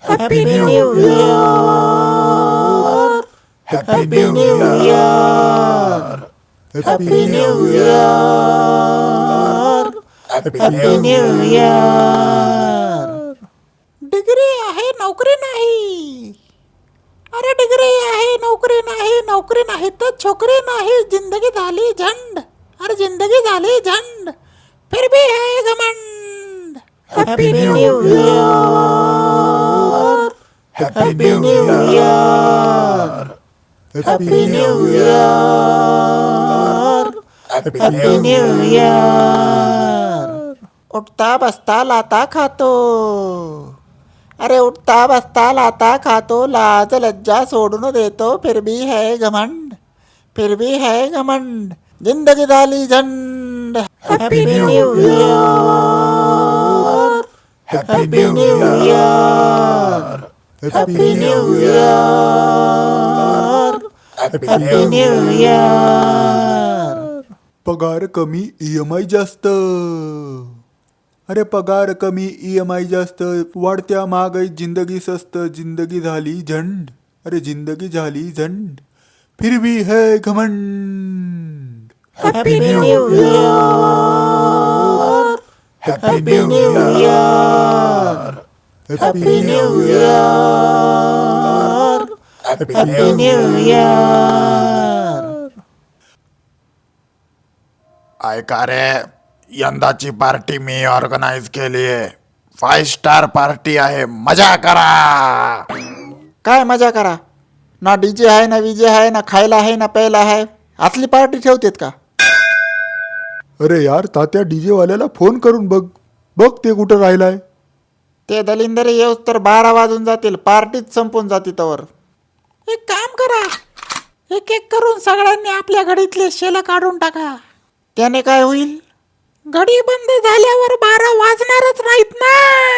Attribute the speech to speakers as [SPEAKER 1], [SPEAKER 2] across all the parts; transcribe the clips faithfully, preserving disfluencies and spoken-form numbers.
[SPEAKER 1] Happy New Year! Happy New Year! Happy New Year! Happy New Year! Degree आहे नोकरी नाही. अरे degree आहे नोकरी नाही, नोकरी नाही तर छोकरी नाही. जिंदगी झाली झंड, अरे जिंदगी झाली झंड, फिर भी है घमंड. Happy New Year! Happy New Year! Happy New Year! Happy New Year! उठता बसता लाता खातो, अरे उठता बसता लाता खातो. लाज लज्जा सोडून देतो, फिर भी है घमंड, फिर भी है घमंड. जिंदगी झाली झंड. Happy New Year! Happy New Year! Happy New Year! Happy New Year!
[SPEAKER 2] पगार कमी ईएमआय जास्त. अरे पगार कमी ईएमआय जास्त, वाढत्या महागाई जिंदगी स्वस्त. जिंदगी झाली झंड, अरे जिंदगी झाली झंड, फिर भी है घमंड.
[SPEAKER 1] Happy New Year! Happy New Year! Happy New Year! Happy New Year!
[SPEAKER 3] ऐका रे, यंदाची पार्टी मी ऑर्गनाइज केली आहे. फाईव्ह स्टार पार्टी आहे, मजा करा.
[SPEAKER 1] काय मजा करा? ना डीजे आहे, ना विजे आहे, ना खायला आहे, ना प्यायला आहे. असली पार्टी ठेवतेत का?
[SPEAKER 2] अरे यार तात्या, डीजे वाल्याला फोन करून बघ बघ ते कुठं राहिलाय.
[SPEAKER 1] ते दलिंदर येऊस तर बारा वाजून जातील, पार्टीच संपून जाती तवर. एक काम करा, एक एक करून सगळ्यांनी आपल्या घडीतले शेला काढून टाका. त्याने काय होईल? घडी बंद झाल्यावर बारा वाजणारच नाहीत ना.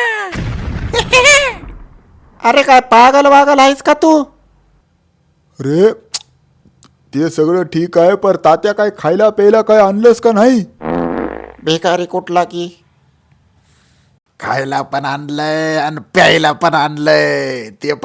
[SPEAKER 1] अरे काय पागल वागल आहेस का तू?
[SPEAKER 2] अरे ते सगळं ठीक आहे, पर तात्या काय खायला प्यायला काय आणलंस का नाही?
[SPEAKER 1] भिकारी कुठला की
[SPEAKER 3] खायला पण आणलंय आणि प्यायला पण आणलंय ते